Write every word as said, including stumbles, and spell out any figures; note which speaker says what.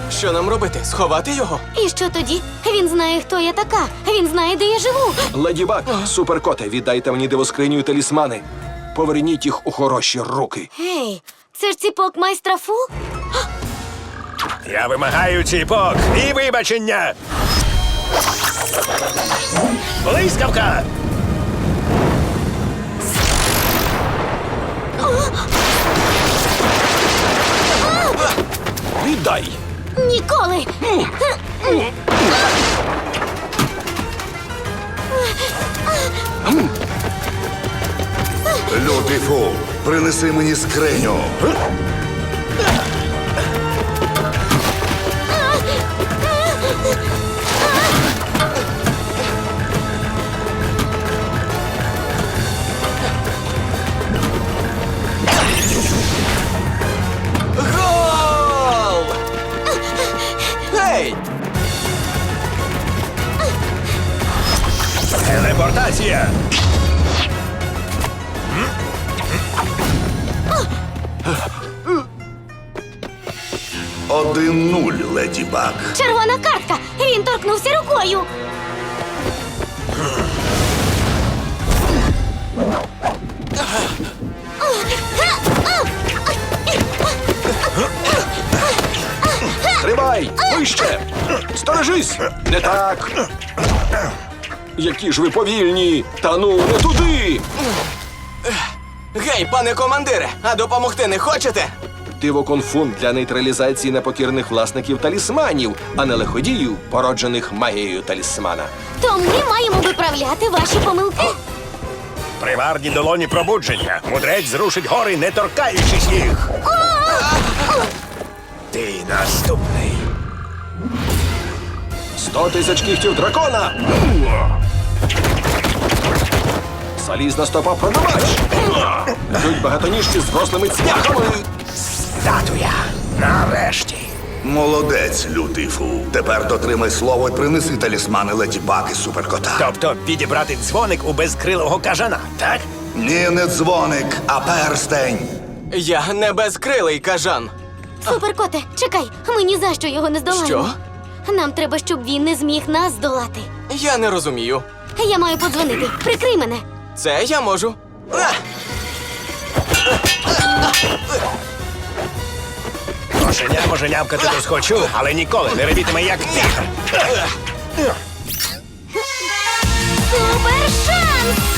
Speaker 1: Що нам робити? Сховати його?
Speaker 2: І що тоді? Він знає, хто я така. Він знає, де я живу.
Speaker 3: Леді Баг, суперкоте, віддайте мені дивоскриню і талісмани. Поверніть їх у хороші руки.
Speaker 2: Гей, це ж ціпок майстра Фу?
Speaker 4: Я вимагаю ціпок і вибачення. Блискавка!
Speaker 3: Віддай!
Speaker 2: Ніколи!
Speaker 5: Лютий Фу, принеси мені скриню.
Speaker 1: Гол! Гей!
Speaker 4: Телепортація!
Speaker 5: Один нуль, Леді Баг.
Speaker 2: Червона картка! Він торкнувся рукою!
Speaker 3: Тримай! Вище! Сторожись! Не так! Які ж ви повільні! Та ну, не туди!
Speaker 1: Гей, пане командире, а допомогти не хочете?
Speaker 3: Дивоконфунт для нейтралізації непокірних власників талісманів, а не лиходіїв, породжених магією талісмана.
Speaker 2: То ми маємо виправляти ваші помилки.
Speaker 4: Приварні долоні пробудження. Мудрець зрушить гори, не торкаючись їх. Ти наступний.
Speaker 3: Сто тисяч кігтів дракона! Залізна стопа продавач! Йдуть багатоніжці з рослими цвяхами!
Speaker 4: Статуя. Нарешті.
Speaker 5: Молодець, Лютий Фу. Тепер дотримай слово і принеси талісмани Леді Баг і суперкота.
Speaker 4: Тобто підібрати дзвоник у безкрилого кажана, так?
Speaker 5: Ні, не дзвоник, а перстень.
Speaker 1: Я не безкрилий кажан.
Speaker 2: Суперкоте, чекай, ми ні за що його не здолаємо.
Speaker 1: Що?
Speaker 2: Нам треба, щоб він не зміг нас здолати.
Speaker 1: Я не розумію.
Speaker 2: Я маю подзвонити. Прикрий мене.
Speaker 1: Це я можу. А!
Speaker 4: Кошеня може нявкати досхочу, але ніколи не ревітиме як тигр.
Speaker 2: Супер шанс!